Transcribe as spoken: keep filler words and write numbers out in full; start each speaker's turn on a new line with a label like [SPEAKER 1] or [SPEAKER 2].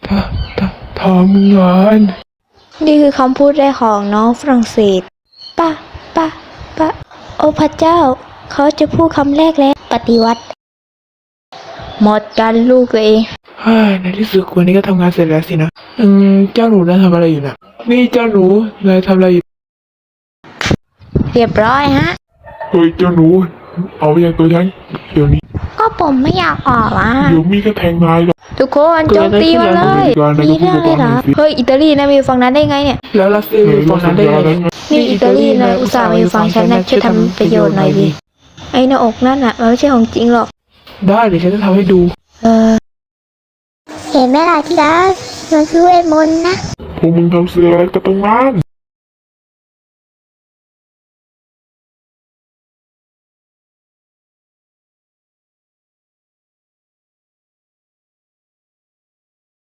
[SPEAKER 1] ทททำงาน
[SPEAKER 2] นี่คือคำพูดแรกของน้องฝรั่งเศสปะปะปะโอ้พระเจ้าเขาจะพูดคำแรกแล้วปฏิวัติหมดกันลูกตัวเอง
[SPEAKER 1] เฮ้ยในที่สุดวันนี้ก็ทำงานเสร็จแล้วสินะอืมเจ้าหนูนายทำอะไรอยู่นะนี่เจ้าหนูนายทำอะไรอยู่
[SPEAKER 2] เรียบร้อยฮะ
[SPEAKER 1] เฮ้ยเจ้าหนูเอาอย่างตัวฉันเดี๋ยวนี้
[SPEAKER 2] ก็ผมไม่อยากออกอ่ะ
[SPEAKER 1] เดี๋ยวมีก็แทงนายหรอก
[SPEAKER 2] ทุกคนโจมตีมันเลยมีเรื่องเลยเหรอเฮ้ยอิตาลีนะมีฝั่งนั้นได้ไงเนี่ย
[SPEAKER 1] แล้วรัสเซียอยู่ฝั่งนั้นได้ไง
[SPEAKER 2] นี่อิตาลีนะอุตส่าห์มาอยู่ฝั่งฉันนะช่วยทำประโยชน์หน่อยดิไอ้หน้าอกนั่นอ่ะมันไม่ใช่ของจริงหรอก
[SPEAKER 1] ได้เดี๋ยวฉันจะทำให้ดู
[SPEAKER 2] เออเห็นไหมล่ะที่รักมันคือเวทมนต์นะ
[SPEAKER 1] พวกมึงทำเสืออะไรกันตรงนั้น